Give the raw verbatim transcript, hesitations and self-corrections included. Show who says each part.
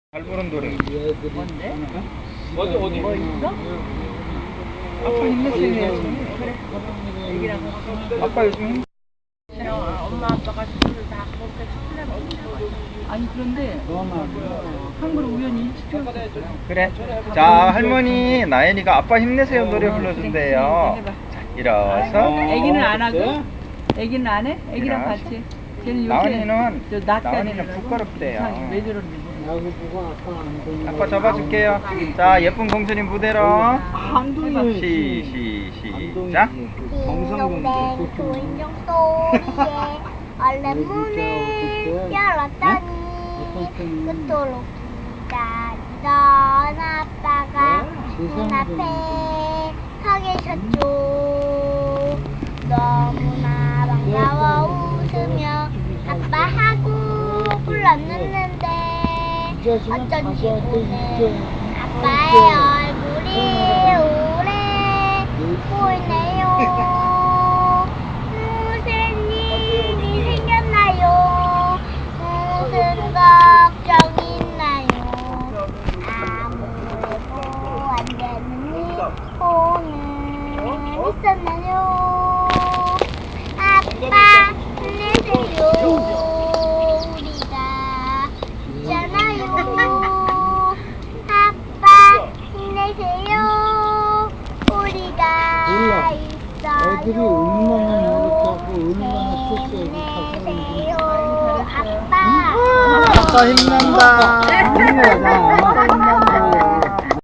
Speaker 1: 잘 부른 노래.
Speaker 2: 뭔데?
Speaker 1: 어디 어디?
Speaker 2: 뭐 있어?
Speaker 1: 아빠 힘내세요.
Speaker 2: 그래. 애기랑 같이.
Speaker 1: 아빠 요즘 힘.
Speaker 2: 엄마 아빠가 술을 다 그렇게 술을 없어. 아니 그런데 한 그릇 우연히 일찍 줬어요.
Speaker 1: 그래. 자 할머니 나연이가 아빠 힘내세요 노래 불러준대요. 자 일어서.
Speaker 2: 애기는 안 하고? 애기는 안 해? 애기랑
Speaker 1: 일어나서.
Speaker 2: 같이. 쟤는 요새
Speaker 1: 나은이는
Speaker 2: 저 낮까지
Speaker 1: 나은이는
Speaker 2: 일어나서
Speaker 1: 부끄럽대요.
Speaker 2: 이상하게 왜 저러는지 모르겠어.
Speaker 1: 아빠 잡아줄게요. 자 예쁜 공주님 무대로.
Speaker 2: 한둥이.
Speaker 1: 시, 시, 시작.
Speaker 3: 딩동댕 조인종 소리에 얼른 문을 열었더니 그토록 기다리던 아빠가 문 앞에 서 계셨죠. 너무나 반가워 웃으며 아빠하고 불렀는데 어쩐지 오늘 아빠의 얼굴이 오래 보이네요. 무슨 일이 생겼나요? 무슨 걱정이 있나요? 아무래도 안 되는 일 오늘 있었나요? 아빠 힘내세요. 우리가 있잖아요. 아빠 힘내세요. 우리가 있어요.
Speaker 4: 애들이 얼마나 노력하고 얼마나
Speaker 3: 힘내세요. 아빠.
Speaker 1: 아빠 힘낸다.
Speaker 4: 힘내자.